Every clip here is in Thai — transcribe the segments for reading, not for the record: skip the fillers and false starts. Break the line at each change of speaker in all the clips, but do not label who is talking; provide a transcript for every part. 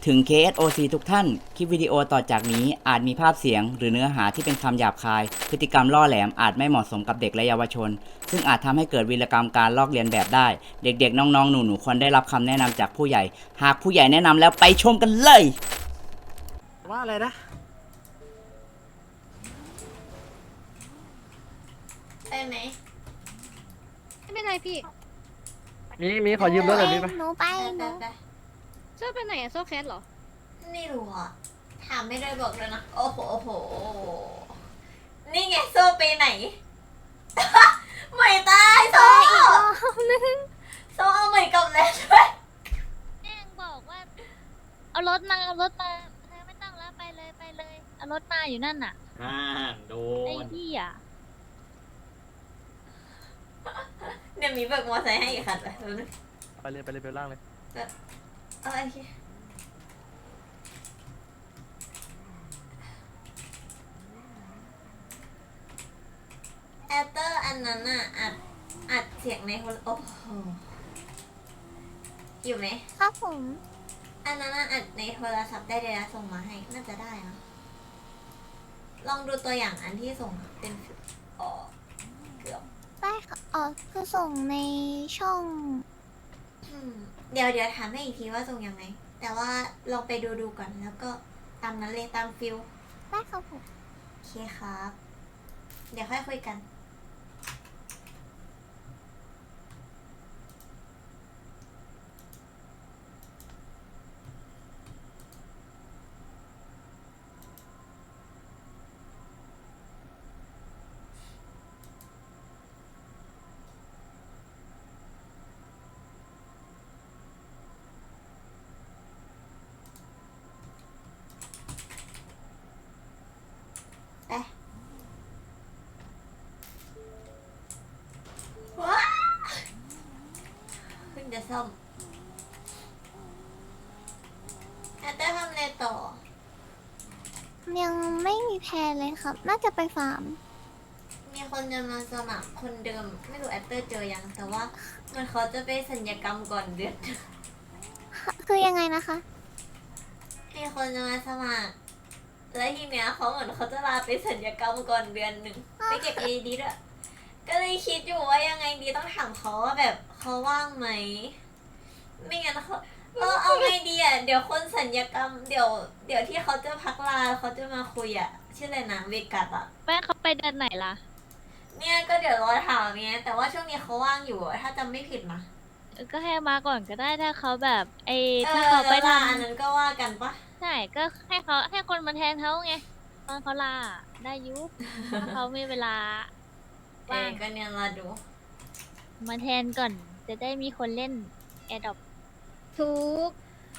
ถึง KSOC ทุกท่าน คลิปวิดีโอต่อจากนี้อาจมีภาพเสียงหรือเนื้อหาที่เป็นคำหยาบคาย พฤติกรรมล่อแหลมอาจไม่เหมาะสมกับเด็กและเยาวชน ซึ่งอาจทำให้เกิดวีรกรรมการลอกเลียนแบบได้ เด็กๆ น้องๆ หนูๆ ควรได้รับคำแนะนำจากผู้ใหญ่ หากผู้ใหญ่แนะนำแล้วไปชมกันเลย
ว่าอะไรนะ
ไปไหม
ไม่เป็นไรพี่
มีขอยืมรถหน่อยมีปะ
หนูไป
ไป
ห
ไป
นู
ไป
โซ่ไปไหนอะโซ่แคสเหรอ
ไม่รู้อ่ะ ถามไม่ได้บอกเลยนะ โอ้โหโอ้โห นี่ไงโซ่ไปไหน ไม่ตายโซ่โซ่เอาใหม่กลับแล้วด้วย
แม่งบอกว่า เอารถมาเอารถมาเธอไม่ต้องแล้วไปเลยไปเลยเอารถมาอยู่นั่นน่ะ
โด
ไอ้
น
ที่อ่ะ
เดี๋ยวมีเบิกมอไซค์ให้อีกคันไปดูนึง
ไปเลยเบลล่างเลย
เอาโอเคแอตเตอร์อันนั้นอ่ะอัดเสียงในโทรโอ้โหอยู่ไหม
ครับผม
อันนั้นอะอัดในโทรศัพท์ได้เลยนะส่งมาให้ น่าจะได้นะ ลองดูตัวอย่างอันที่ส่งอะเป็นอ๋อเกือบ
ได้ค่ะอ๋อคือส่งในช่อง
เดี๋ยวถามให้อีกทีว่าส่งยังไง แต่ว่าลองไปดูก่อนแล้วก็ตามนั้นเลยตามฟิล
ได้ครับผม
โอเคครับ เดี๋ยวค่อยคุยกัน ไปว้าเพิ่งจะซ่อมแอตเตอร์ทำอะไรต่อ
ยังไม่มีแพลนเลยครับ น่าจะไปฟาร์ม
มีคนจะมาสมัครคนเดิม ไม่รู้แอตเตอร์เจอยัง แต่ว่ามันเขาจะไปสัญญกรรมก่อนเดือน
คือยังไงนะคะ
มีคนจะมาสมัคร แล้วทีเนี้ยเขาเหมือนเขาจะลาไปสัญญกรรมก่อนเดือนหนึ่งไปเก็บเอดีด้วยก็เลยคิดอยู่ว่ายังไงดีต้องถามเขาว่าแบบเขาว่างไหม ไม่งั้นเขาเอาไงดีอ่ะเดี๋ยวคนสัญญกรรมเดี๋ยวที่เขาจะพักลาเขาจะมาคุยอ่ะชื่ออะไรนะเวกัสอ่ะ
แม่เขาไปเดือนไหนล่ะ
เนี่ยก็เดี๋ยวรอถามเนี้ยแต่ว่าช่วงนี้เขาว่างอยู่อะถ้าจำไม่ผิดนะ
ก็ให้มาก่อนก็ได้ถ้าเขาแบบถ้า
เขา
เขาไป
ลา
ทำ
อันนั้นก็ว่ากันปะ
ใช่ก็ให้คนมาแทนเขาไงตอนเขาลาได้ยุบถ้าเขามีเวลาว่าง
ก็เนี่ยเราดู
มาแทนก่อนจะได้มีคนเล่นแอดดอป
ทุก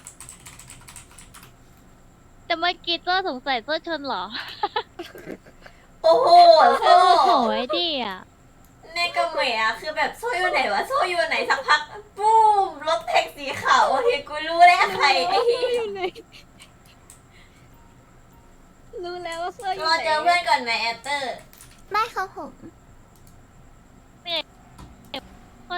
แต่เมื่อกี้ตัวสงสัยตัวชนเหรอ
โอ้โหโซ่
โอ้โหไอ้ดิอ่ะ
เนกเมะอะคือแบบโซ่อยู่ไหนวะโซ่อยู่ไหนสักพักปุ้มรถแท็กสีขาวโอเคกูรู้แล้วใครไอ้ที่
รู้แล้วว่าโซ่อยู่
รอเจอเพื่อนก่อนไหมแอตเตอร์
ได้ครับผมคน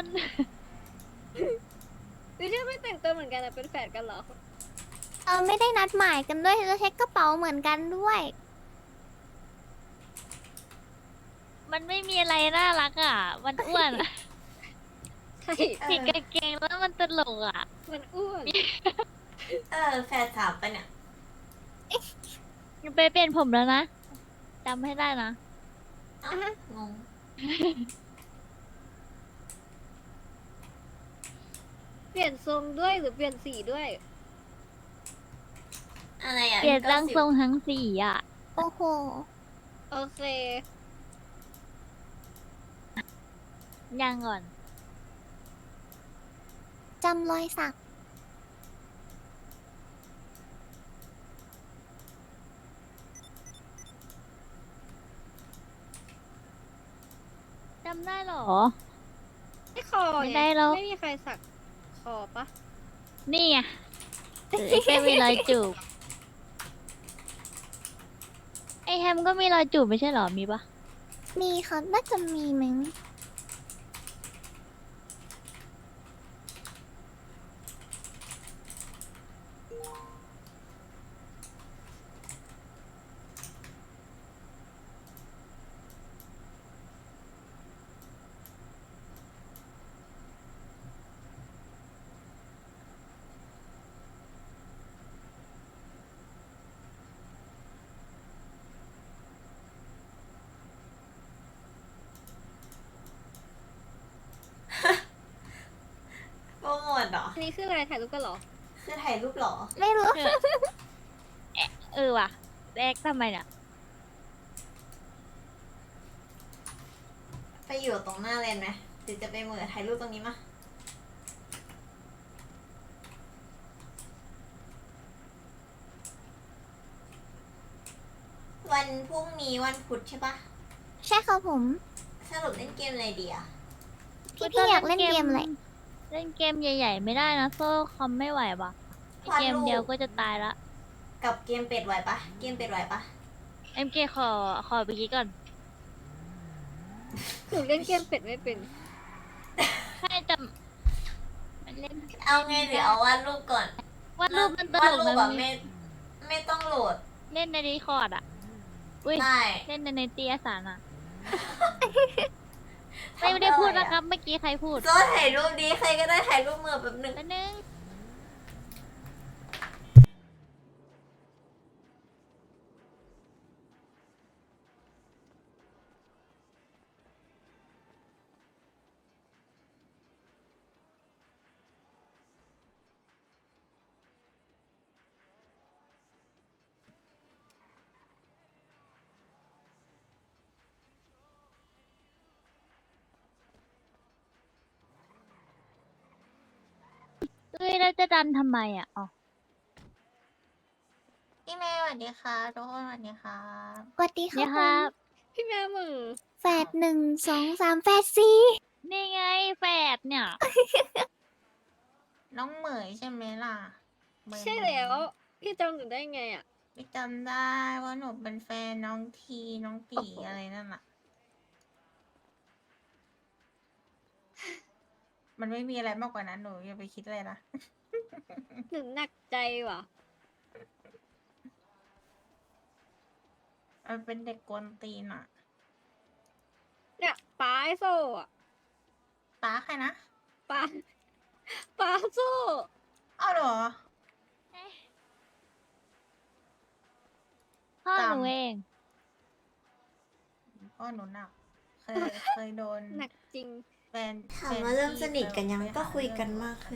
คือที่ไม่แต่งตัวเหมือนกันอะเป็นแฝดกันเหรอ
ไม่ได้นัดหมายกันด้วยจะเช็คกระเป๋าเหมือนกันด้วย มันไม่มีอะไรน่ารักอ่ะ มันอ้วนอะ
ใช่
ผิดกางเกงแล้วมันตลกอ่ะ
มันอ้วน
แฟนสามปะเนี่ย
ไปเปลี่ยนผมแล้วนะจำให้ได้นะ
เอ้างง
เปลี่ยนทรงด้วยหรือเปลี่ยนสีด้วย
อะไรอ่ะ
เปลี่ยนร่างทรง
90
ทั้งสี่อ่ะ โอ้โห
โอเค
ยังก่อนจำรอยสักจำได้เหรอ
ไม่คอ
ไม่
ไง
ได้หรอก
ไม่มีใครสักคอปะ
นี่ไงแค่มีรอยจูบ ไอแฮมก็มีรอยจูบไม่ใช่เหรอ มีปะ มีครับ น่าจะมีมั้ง
นี่คืออะไรถ่ายรูปกันเหรอ
คือถ่ายรูปเหรอ
ไม่รู้
เออว่ะแรกทำไมเนี่ย
ไปอยู่ตรงหน้าเลนไหมหรือจะไปเหมือถ่ายรูปตรงนี้มาวันพรุ่งนี้วันพุธใช่ปะ
ใช่ครับผม
สรุปเล่นเกมอะไรดีอะ
พี่อยากเล่นเกมอะไร
เล่นเกมใหญ่ๆไม่ได้นะโซ่คอมไม่ไหวว่ะเกมเดียวก็จะตายละ
กับเกมเป็ดไหวปะเกมเป็ดไหวปะ
MK ขอไปคิดก่อน
หนูเล่นเกมเป็ดไม่เป็น
ใช่แต่มันเล่น
เอาไงหรือเอาวาดรูปก่อน
วาดรูปมันต
วาด
ลก
รูป
นะ
แบบไม่ต้องโหลด
เล่นในดีคอร์ดอ่ะอุ้ย
ได้
เล่นในเตียสารอ่ะไม่ได้พูดนะครับ เมื่อกี้ใครพูด
โซ่ถ่ายรูปดีใครก็ได้ถ่ายรูปมือแบบหนึ่ง
แป๊บนึง เฮ้ยแล้วจะดันทำไมอ่ะอ๋อ
พี่แม่สวัสดีค่ะทุกคนสวัสดีค่ะ
สวัสดีค
เนี่
รั
ย
บ
ค
ผ
รั
ม
บ
พี่แม่มือ
แฝด1 2 3แฝด4
นี่ไงแฝดเนี่ย
น้องเหมยใช่ไหมล่ะเหมย
ใช่แล้ว พี่จำหนูได้ไงอ่ะ
พี่จำได้ว่าหนูเป็นแฟนน้องทีน้องตีอะไรนั่นแหละมันไม่มีอะไรมากกว่านั้นหนูอย่าไปคิดเลยนะ
หนูหนักใจว่ะ
มันเป็นเด็กกวนตีนอ่ะ
เนี่ยป้าไอโซ่อะ
ป้าใครนะ
ป้าป้าโซ่
อ้าวเหรอ
พ่อหนู
จำ
เอง
พ่อหนูหนักเคยโดน
หนักจริง
แฟน
ถามว่าเริ่มสนิทกันยังก็คุยกันมากขึ้น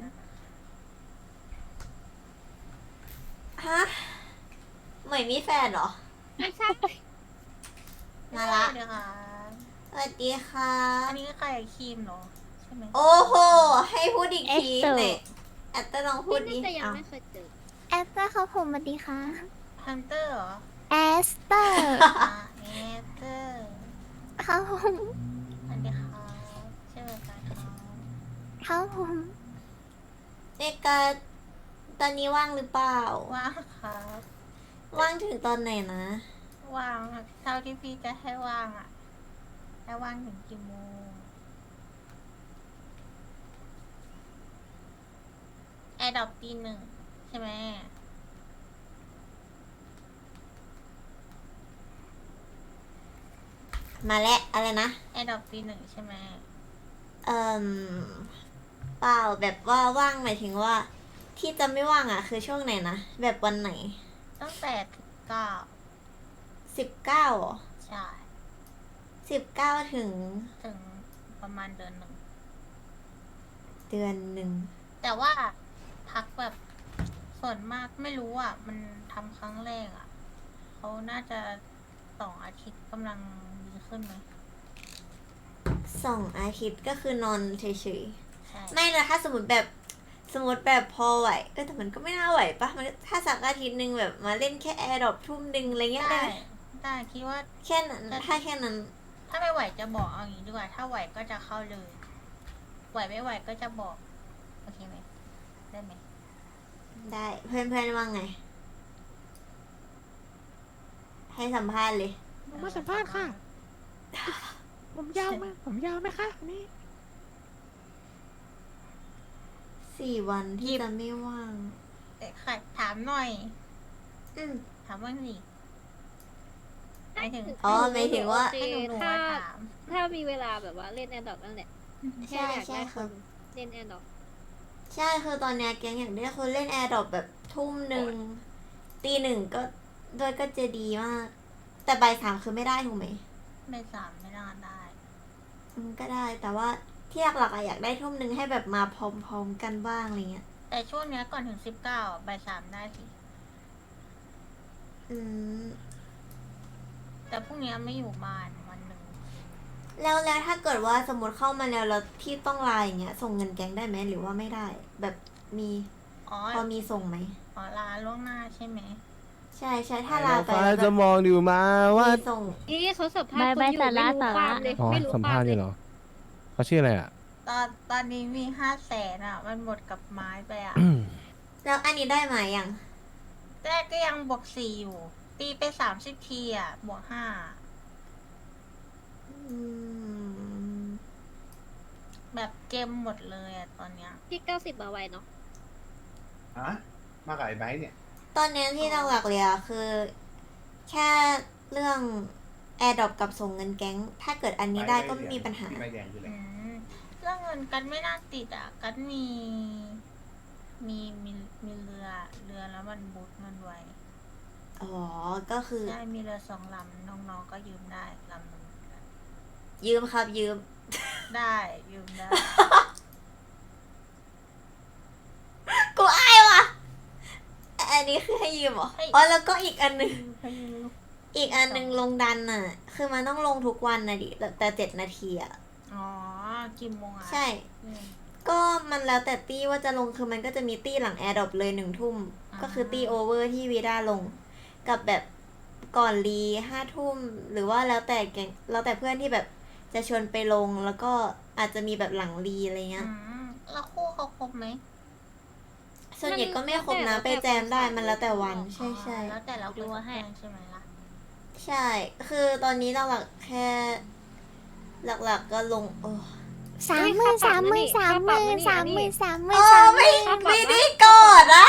ฮะเหมยมีแฟนเหรอ
ไม่ใช่
มาละ
เดี๋ยวค่ะ
สวัสดีค่ะ
อันนี้ใครครีมเหรอใช่ไหม
โอ้โห ให้พูดอีกที
เอสเตอร์
เนี่ยแอตเตอร์ลองพูดดิ
พี่น่าจะยัง
เอา
ไม่เคยเจอ
แอสเตอร์ครับผมสวัสดีค่ะ
ฮันเตอร์เหรอ
แอสเตอร์
เอเตอร์
ครับผม
สวัสดีครับชื่ออะไรครับ
ครับผม
เอกาตอนนี้ว่างหรือเปล่า
ว่างครับ
ว่างถึงตอนไหนนะ
ว่างอะเท่าที่พี่จะให้ว่างอ่ะให้ว่างถึงกี่โมงแอร์ดรอปตี 1ใช่ไหม
มาแล้วอะไรนะ
แอร์ดรอปตี 1ใช่ไหม
เอ่มเปล่าแบบว่าว่างหมายถึงว่า ที่จะไม่ว่างอ่ะ คือช่วงไหนนะ แบบวันไหน
ตั้งแต่9
19เหรอ
ใช่
19ถึง
ถึงประมาณเดือน 1
เดือนหนึ่ง
แต่ว่าพักแบบส่วนมากไม่รู้อ่ะ มันทำครั้งแรกอ่ะเขาน่าจะ2 อาทิตย์กำลังดีขึ้นไหม
2 อาทิตย์ก็คือนอนเฉย
ใช่
ๆ ไม่นะถ้าสมมติแบบพอไหวแต่มันก็ไม่น่าไหวปะมันถ้าสักอาทิตย์หนึ่งแบบมาเล่นแค่แอร์ดรอปทุ่มหนึ่งอะไรเงี้ยได้
ได้
ไหม
ได้คิดว่า
แค่นั้นถ้าแค่นั้น
ถ้าไม่ไหวจะบอกเอาอย่างนี้ดีกว่า ถ้าไหวก็จะเข้าเลย ไหวไม่ไหวก็จะบอก โอเคไหม ได้ไหม
ได้เพื่อนๆว่าไง ให้สัมภาษณ์เลย
มาสัมภาษณ์ค่ะ ผมยาวไหมผมยาวไหมคะอันนี้
4 วันที่จะไม่ว่าง
ค่ะถามหน่อย
อืม
ถามว่าหนิหมายถึง
อ๋อหมายถึงว่า
โอเค
ให้หนู
ถ้า
มาถาม
ถ้ามีเวลาแบบว่าเล่นแอนดอกนั่นแหละแค่
ใช่
อยาก
ใช่
ได้
ค
ครับ นเล่นแอนดอก
ใช่คือตอนเนี้ยแก๊งอยากได้คนเล่นแอร์ดรอปแบบทุ่มหนึ่งตี 1ก็ด้วยก็จะดีมาก แต่บ่าย 3คือไม่ได้ถูกไหม
ไม่สามไม่น่าได้
ก็ได้แต่ว่าที่หลักๆอะอยากได้ทุ่มหนึ่งให้แบบมาพร้อมๆกันบ้างอะไรเงี้ย
แต่ช่วงเนี้ยก่อนถึง19บ่าย 3ได้สิ
อืม
แต่พรุ่งนี้ไม่อยู่บ้านวันหนึ่ง
แล้วถ้าเกิดว่าสมมติเข้ามาแล้วพี่ต้องไลน์อย่างเงี้ยส่งเงินแก๊งได้ไหมหรือว่าไม่ได้ แบบมี
อ๋อ
พอมีส่งไหม
อ๋อลาล่วงหน้าใช่ไหม
ใช่ถ้าลาไป
ฟ้า
แล้วแบ
จะ
บ
มองดูมาว่า
มีส่ง
นี่เขาสัมภาษณ์
ไม่
คนอยู่
สาระ
ไม่รู้
สา
ควา
ระ
มเลย
อ๋อ
ไม่รู้
สัม
ค
ภาว
า
ษ
ม
ณ์
เล
อยู่
ย
เหรอเขาชื่ออะไรอ่ะ
ตอนนี้มี500,000อ่ะ มันหมดกับไม้ไปอ่ะ
แล้วอันนี้ได้ไหมยัง
แรกก็ยังบวก4อยู่ ตีไป30ทีอ่ะบวก5
อืม
แบบเกมหมดเลยอ่ะตอนเนี้ย
พี่90มาไวเนาะ
ฮะมากับไอ้ไบร์ทเนี่ย
ตอนนี้ที่หลักๆเลยอะคือ แค่เรื่องแอร์ดรอปกับส่งเงินแก๊ง ถ้าเกิดอันนี้ได้ก็ไม่มีปัญหา
ที่ใบแดงคืออะไร
อืมเรื่องเงินกันไม่น่าติดอ่ะ กันมีเรือแล้วมันบูทเงินไว้
อ๋อ ก็คือ
ใช่มีเรือ2 ลำน้องๆก็ยืมได้ลำหนึง
ยืมครับยืม
ได้ยืมได้
กูอายว่ะ อันนี้คือให้ยืมเหรอ อ๋อ แล้วก็อีกอันหนึ่ง อีกอันหนึ่งลงดันอ่ะ คือมันต้องลงทุกวันนะดิ แต่7 นาทีอ่ะ
อ๋อกี่โมงอ่ะ
ใช่
อืม
ก็มันแล้วแต่ตี้ว่าจะลงคือมันก็จะมีตี้หลังแอร์ดรอปเลย1 ทุ่ม
อ่า
ก็คือตี้โอเวอร์ที่วีด้าลง กับแบบก่อนรี5 ทุ่ม หรือว่าแล้วแต่แกงแล้วแต่เพื่อนที่แบบจะชวนไปลง แล้วก็อาจจะมีแบบหลังรีอะไรเงี้ย
แล้วคู่เขาครบไหม
ส่วนใหญ่ก็ไม่ครบนะไปแจมได้มันแล้วแต่วัน ใช่ใช่
แล้วแต่เรา
ดู
ดู
ให้
ให้ใช่ไหมล่ะ
ใช่ คือตอนนี้หลักๆแค่ หลักๆก็ลงโอ้
30,000 30,000 30,000 30,000 30,000
โอ้ไม่ได้กดอ่ะ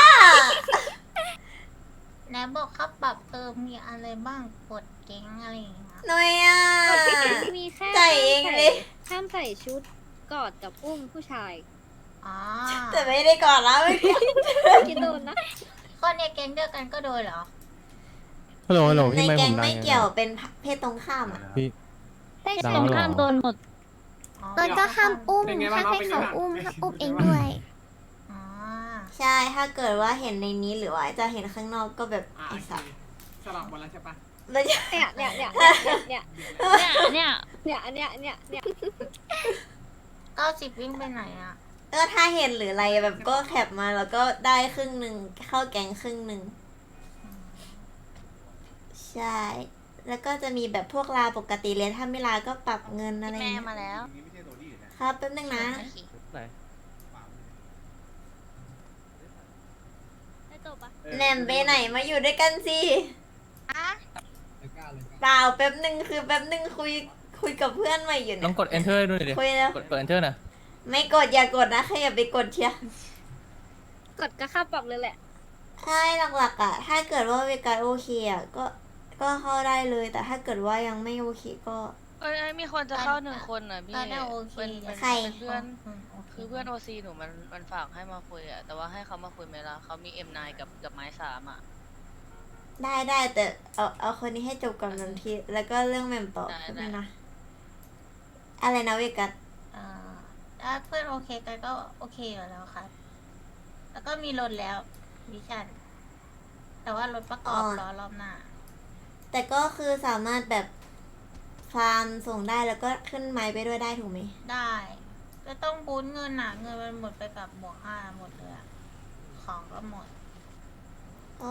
ไหนบอกครับปรับมีอะไรบ้างกดเก๊งอะไรอย่างเงี้ย
หน่อยอ่ะ
มีแค่
ใจเองดิ
ห้ามใส่ชุดกอดกับอุ้มผู้ชาย
อ๋อ
แต่ไม่ได้กดแล้วไม่
กินโดนนะ
คนในแก๊งเดียวกันก็โดนเหรอ
ฮัลโหลฮัลโหล
ใน
พี่ไม่ผ
แก๊ง
มดัง
ไม่
ยัง
เกี่ยว
ไง
เป็นเพศตรงข้ามอ่ะ
พี่
ได้
ดัง
ตรง
แล้วเหรอ
ข้ามโดนหมด
อ๋อ
แล้วก็ห้ามอุ้มห้ามให้เขาอุ้มห้ามอุ้มเองด้วย
อ๋อ
ใช่ถ้าเกิดว่าเห็นในนี้หรือว่าจะเห็นข้างนอกก็แบบไอ้สัส
สลับวันแล้วใช่ปะ
แล้วจะ
เนี่ย
เนี่ย
90วิ่งไปไหนอ่ะ
ก็ถ้าเห็นหรืออะไรแบบก็แคปมาแล้วก็ได้ครึ่งหนึ่งเข้าแก๊งครึ่งหนึ่งใช่ แล้วก็จะมีแบบพวกลาปกติเลยถ้าไม่ลาก็ปรับเงินอะไรอย่าง
แม่
เงี้ย
มาแล้ว
นี่ไม่ใช่โรดี้นะครับ
แป๊บนึงนะ
ไหน
ได้จบปะ
แหนมไปไหนมาอยู่ด้วยกันสิเปล่าแป๊บนึงคือแป๊บนึงคุยกับเพื่อนใหม่อยู่
ต้
เนี่
อย งกด enter ด้วยดิ
คุยแล้ว
กด enter นะ
ไม่กดอย่ากดนะใครอย่าไปกดเชียร์
กดก็ค่าปรับเลยแหละ
ใช่หลักๆอ่ะ ถ้าเกิดว่าเวกาโอเคอ่ะก็เข้าได้เลย แต่ถ้าเกิดว่ายังไม่โอเคก็
เอ้ยมีคนจะเข้า1 คนอ่ะพี่
ก็ได้โอเค
เป็น
ใคร
เพื่อน
โอเค
คือเพื่อนโอซีหนูมันฝากให้มาคุยอ่ะ แต่ว่าให้เขามาคุยไหมล่ะเขามี M9 กับไม้3อ่ะ
ได้แต่เอาคนนี้ให้จบก่อนทันทีแล้วก็เรื่องแหม่มต่อ
ได้
ใช่ไหม
ได้
นะอะไรนะเวกัส
อ่าถ้าเพื่อนโอเคกันก็โอเคอยู่แล้วครับ แล้วก็มีรถแล้ววิชันแต่ว่ารถประกอบล้อรอบหน้า
แต่ก็คือสามารถแบบฟาร์มส่งได้แล้วก็ขึ้นไม้ไปด้วยได้ถูกไหม
ได้ก็ต้องบูนเงินอ่ะ เงินมันหมดไปกับบวก5หมดเลยอะของก็หมด
อ๋อ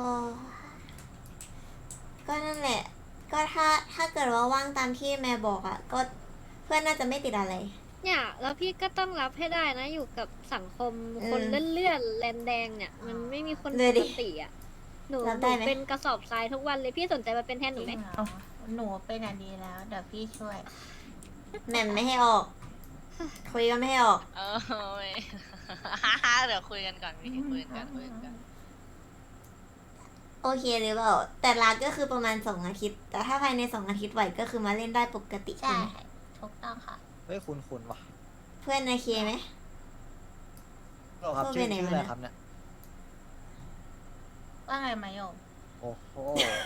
ก็นั่นแหละ ก็ถ้าเกิดว่าว่างตามที่แม่บอกอ่ะ ก็เพื่อนน่าจะไม่ติดอะไร
เนี่ยแล้วพี่ก็ต้องรับให้ได้นะอยู่กับสังคมคนเลื่อนๆแลนแดงเนี่ย มันไม่มีคน
เล
ป
ยดิ
กติอ่ะหนู
รับได้ไหม
เป็นกระสอบทรายทุกวันเลยพี่สนใจมาเป็นแทนหนูไหม
จริงเหรอหนูเป็นอันดีแล้ว เดี๋ยวพี่ช่วย
แหม่มไม่ให้ออก คุยก็ไม่ให้ออก
เออไม่ เดี๋ยวคุยกันก่อนพี่คุยกัน
โอเคหรือเปล่า แต่ลาก็คือประมาณ2 อาทิตย์ แต่ถ้าภายใน2 อาทิตย์ไหวก็คือมาเล่นได้ปกติ
ใช่
ไหม
ถูกต้องค่ะ
เฮ้ยคุณว่ะ
เพื่อนโอเคไหม
ครับ
พูดไปไหนมานะ
ครับเนี่ย
ว่าไงมาโยม
โอ้โห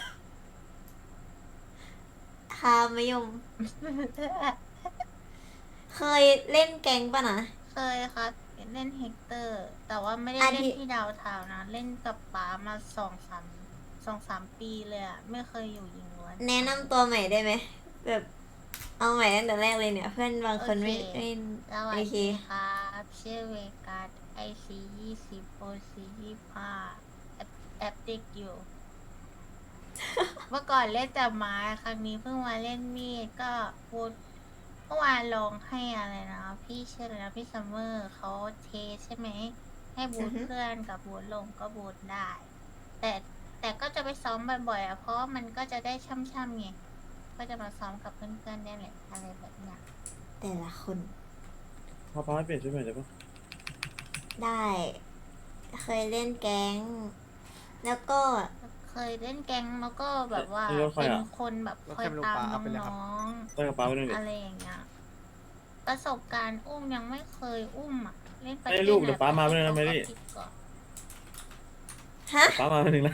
คามยม เคยเล่นแก๊งปะนะ
เคยครับเล่นเฮกเตอร์ แต่ว่าไม่ได้
อัน
เล่น
ที่
ที่ดาวเทาวน์นะ เล่นกับป๋ามา2-3 ปีเลยอะไม่เคยอยู่ยิงล้วน
แนะนำตัวใหม่ได้ไหมแบบเอาใหม่ตั้งแต่แรกเลยเนี่ย เพื่อนบางคนไม่
โอเค
ไม่
สวัส
โอเค
ดีครับชื่อเวกัสIC20 OC25 แอปติกอยู่ เมื่อก่อนเล่นแต่ไม้ครั้งนี้เพิ่งมาเล่นมีดก็บูทเมื่อวานลองให้อะไรนะ พี่ชื่ออะไรนะพี่ซัมเมอร์เขาเทใช่ไหม ให้บู
อื
ท
อฮึ
เพื่อนกับบูทลงก็บูทได้ แต่ก็จะไปซ้อมบ่อยๆอ่ะเพราะว่ามันก็จะได้ช่ำๆไงก็จะมาซ้อมกับเพื่อนๆได้แหละอะไรแบบเนี้ย
แต่ละคน
พอป้าให้เปลี่ยนชุดใหม่ได้ปะ
ได้ เคยเล่นแก๊ง แล้วก็
เคยเล่นแก๊งแล้วก็แบบว่า
เอ้ยแล้วใคร
เป็น
อะ
คนแบบคอยตามน้อง
ได้กระเป๋าไปหนึ่ง
ๆ
ดิ
อะไรอย่างเงี้ยประสบการณ์อุ้มยังไม่เคยอุ้มอ่ะเล่นไป
ให้ลูกเดี๋ยวป๊ามาไม่ได้นะแมรี่
ก่อน
ฮะ
ป้ามาไปหนึ่งนะ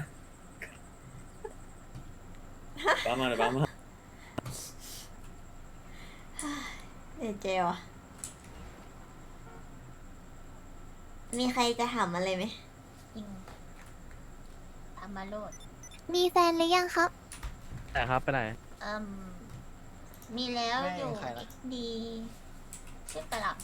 ป้ามาเลยป้ามา
เดี๋ยวเจวะมีใครจะถามอะไรไหม
จริงทำมาโลด
มีแฟนหรือยังครับ
แต่ครับไปไหน
เอิ่มมีแล้ว
ไม่
อยู่
ใครล่ะ
ดีชื่อประหลับ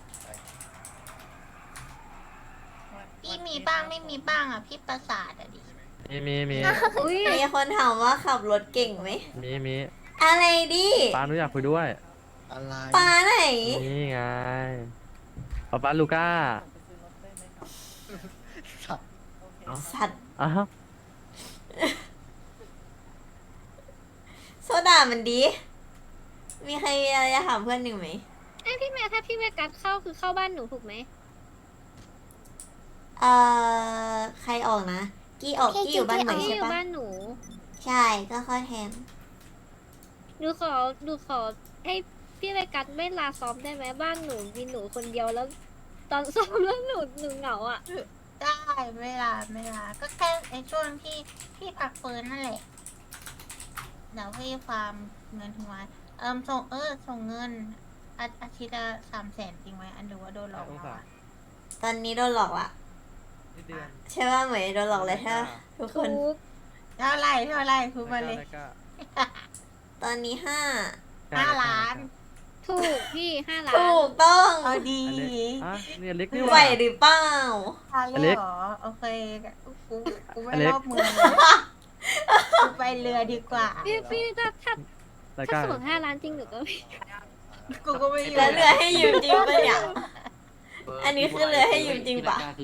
พี่มีบ้างไม่มีบ้างอ่ะพี่ประสาทอ่ะดิ
มี
อุ้ย
มีคนถามว่าขับรถเก่งไหม
มี
อะไรดิ
ป้าหนูอยากคุยด้วย อะไร
ปลาไหน
นี่ไงป้าลูก้า
สัตว์
อ้าว
โซดามันดี มีใครมีอะไรจะถามเพื่อนหนึ่งไหม
ไอยพี่แม่ถ้าพี่แม่กัดเข้าคือเข้าบ้านหนูถูกไหม
ใครออกนะ กี้ออก กี้อยู่บ้านใหม่
พี่
ใช่
อยู่
ปะ
บ้านหนู
ใช่ ก็เข้อแทน
หนูขอให้พี่แม่กัดไม่ลาซ้อมได้ไหมบ้านหนูมีหนูคนเดียวแล้ว ตอนซ้อมแล้วหนูเหงาอ่ะ
ได้เวลาก็แค่ในช่วงที่พี่พักฟื้นนั่นแหละเดี๋ยวพี่ฟาร์มเงินถึงวันส่งเงินอาทิตย์ละ300,000จริงไหมอันหรือว่าโดนหลอกมา
ตอนนี้โดนหลอกละใช่ว่าเหมยโดนหลอกเลยใช่ปะทุกคน
ทุก
เท่าไหร่พูดมาเลย
ตอนนี้
5 ล้าน
ถูกพี่5 ล้าน
ถูกต้อง
เอาดี
เนี่ยเล็กนี่
ไหว
ว่ะ
หรือเปล่า
ทาน
อ
เล
เล็
ย
ก
เหรอโอเคกูไม่
อเล็ก
รอบเมืองเลยกูไปเรือดีกว่า
พี่ถ้า
ราย
ถ้า
การ
ส่ง5 ล้านจริงหนูก็ไม่
กูก็ไม่อยู่
แล้วเรือให้ยืมจริงปะเนี่ย อันนี้คือเรือให้ยืมจริงปะ
คือ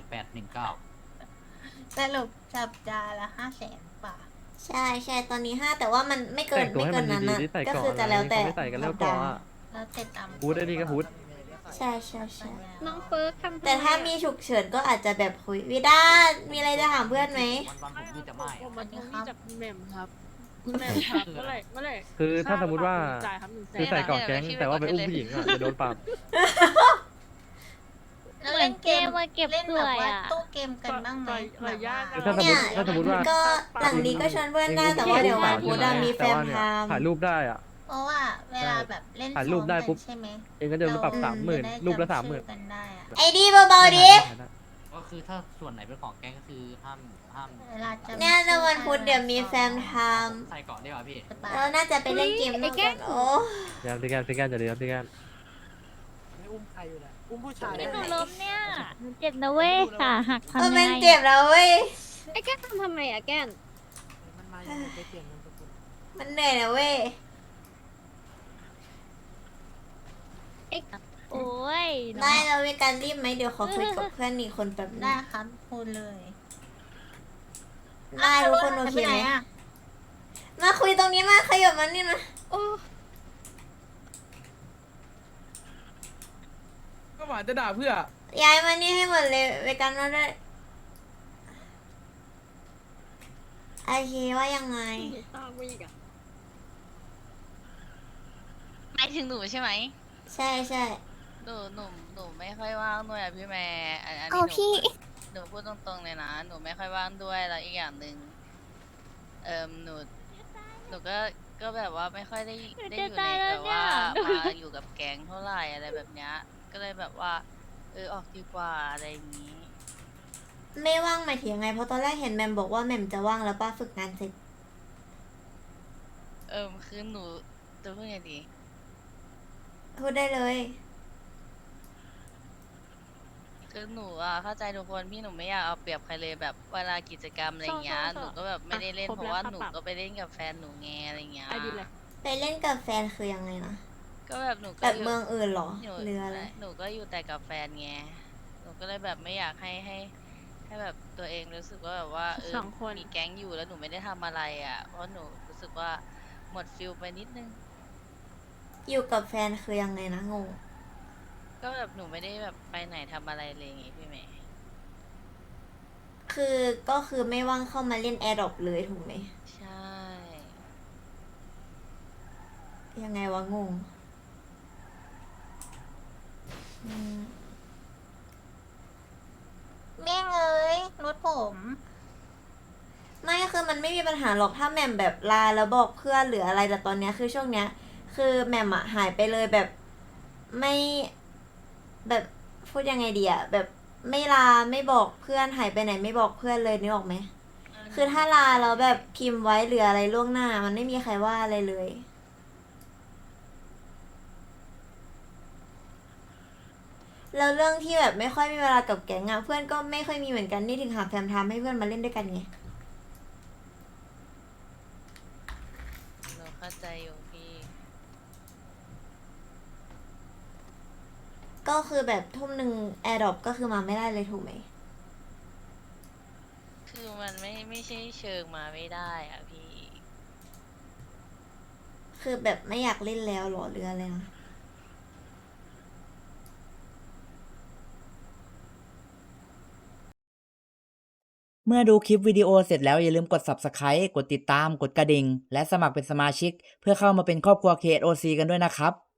18819
สรุปจับจานละ500,000ป่ะ
ใช่ตอนนี้5แต่ว่ามันไม่เกิ
แต่
น
งตัว
ไม่
ให้
เกิ
มัน
นนั้น
ดี
นะ
ๆที่ใส่
ก็
เกาะ
คือจะแล้วแต่
ไม่ใส่กันแล้วเกาะอะ
แล้วเสร็จตาม
ฮูดได้ดีก็ฮูด
ใช่
น้องเฟิร์สทำ
แต่ถ้ามีฉุกเฉินก็อาจจะแบบคุยวิด้ามีอะไรจะถามเพื่อนไหม
วันผมนี่จะไม่
วันนี้ครับ
แหม่มครับแหม่มครับเมื่อไหร่
คือถ้าสมมติว่า
จ่ายครับ100,000
คือใส่เกาะแก๊งแต่ว่าไปอุ้มผู้หญิงอ่ะจะโดนปรับ
แล้วเล่นเกม
มาเก็บ
เล่น
ส
แบบ
วย
ว่า
อ่ะ
ตู้เกมกันบ้างไหม
ต่อยยาก
แบบ
อะ
ว่า
ถ้าสมมติว่า
ก็หลังนี้ก็ชวนเพื่อนได้แต่ว่าเดี๋ยววันพุธอะมีแฟนพาม
ถ่ายรูปได้อ่ะ
เพราะว่าเวลาแบบเล่น
ถ่ายรูปได้ปุ๊บ
ซ้อมกันใช่ไหม
เองก็จะโดนปรับ
เา
30,000รูปละ
จำชื่อ
30,000
กันได้อะ
ไอดีเบาๆดิ
ก็คือถ้าส่วนไหนเป็นของแก๊งก็คือห้าม
เวลาจำ
เนี่ยในวันพุธเดี๋ยวมีแฟนพาม
ใส่เกาะได้ป่ะพี่
สบาย
เราน่าจะไปเล่นเกมด้วยกันโอ้
ยามที่แกนที่แกนจะเดือดที่แกน
ไม่อุ้มใครอยู่แหละอุ้มผู้ชาย
ไม่หนูล้มเนี่ยหนูเจ็บนะเว้ยขาหัก
เอ
ทำ
อ
ยัง
มัน
ไง
เจ็บแล้วเว้ย
ไอ้แก้นทำไมอะแก้น
มันมาอย่างไรไปเปลี่ยนนามสกุล
มันเหนื่อยนะเว้ย
โอ้ย
ได้เรามีการรีบไหมเดี๋ยวขอคุยกับเพื่อนอีกคนแป๊บนึ
ได้
ง
ครับพูดเลย
ได้ทุกคนโอเคไหม
ปนอะ
มาคุยตรงนี้มาขยับมานี่มา
โอ้
ก็หวานจะด่าเพื่อ
ย้ายมานี่ให้หมดเลยเวกันมาด้วยโอเคว่ายังไง
ตามไปอีกอะ
หมายถึงหนูใช่ไหม
ใช่
หนูไม่ค่อยว่างด้วยอะพี่แม่อันนี้
เอา
หนู
พี่
หนูพูดตรงๆเลยนะ หนูไม่ค่อยว่างด้วยแล้วอีกอย่างหนึ่งหนูก็แบบว่าไม่ค่อยได้อยู่ในแบบว่ามาอยู่กับแก๊งเท่าไหร่อะไรแบบเนี้ยก็เลยแบบว่าออกดีกว่าอะไรอย่างนี้
ไม่ว่างหมายถึงยังไงเพราะตอนแรกเห็นแมมบอกว่าแมมจะว่างแล้วป้าฝึกงานเสร็จ
คือหนูจะพูดไงดี
พูดได้เลย
คือหนูเข้าใจทุกคนพี่หนูไม่อยากเอาเปรียบใครเลยแบบเวลากิจกรรมอะไรเงี้ย
ใช่
หนูก็แบบไม่ได้เล่น
ครบ
เพราะ
แล้ว
ว่า
ครับ
หนู
ปรับ
ก็ไปเล่นกับแฟนหนูไงอะไรเงี้ย
ไอดีเลย
ไปเล่นกับแฟนคือยังไงนะ
ก็แบบหนูก็
แบบ
ยู่
เมืองอื่นเหรอ
หนู
เรืออะไร
หนูก็อยู่แต่กับแฟนไงหนูก็เลยแบบไม่อยากให้แบบตัวเองรู้สึกว่าแบบว่า
สองคน
มีแก๊งอยู่แล้วหนูไม่ได้ทำอะไรอ่ะ เพราะหนูรู้สึกว่าหมดฟิลไปนิดนึง
อยู่กับแฟนคือยังไงนะงง
ก็แบบหนูไม่ได้แบบไปไหนทำอะไรเลยไงพี่เมย์
คือก็คือไม่ว่างเข้ามาเล่นแอร์ดรอปเลยถูกไหม
ใช่
ยังไงวะงงอืม
เมี่ยงเอ้ยรถผม
ไม่คือมันไม่มีปัญหาหรอกถ้าแหม่มแบบลาแล้วบอกเพื่อนหรืออะไรแต่ตอนเนี้ยคือช่วงเนี้ย คือแหม่มอะหายไปเลยแบบไม่แบบพูดยังไงดีอะแบบไม่ลาไม่บอกเพื่อนหายไปไหนไม่บอกเพื่อนเลยนึกออกไหม คือถ้าลาแล้วแบบพิมพ์ไว้หรืออะไรล่วงหน้า มันไม่มีใครว่าอะไรเลย แล้วเรื่องที่แบบไม่ค่อยมีเวลากับแก๊งอะเพื่อนก็ไม่ค่อยมีเหมือนกันนี่ถึงหาแฟมทำให้เพื่อนมาเล่นด้วยกันไง
หนูเข้าใจอยู่พี่
ก็คือแบบทุ่มหนึ่งแอร์ดรอปก็คือมาไม่ได้เลยถูกไหม
คือมันไม่ใช่เชิงมาไม่ได้อ่ะพี่
คือแบบไม่อยากเล่นแล้วเหรอหรืออะไรนะ
เมื่อดูคลิปวิดีโอเสร็จแล้วอย่าลืมกด Subscribe กดติดตาม กดกระดิ่ง และสมัครเป็นสมาชิก เพื่อเข้ามาเป็นครอบครัว KSOC กันด้วยนะครับ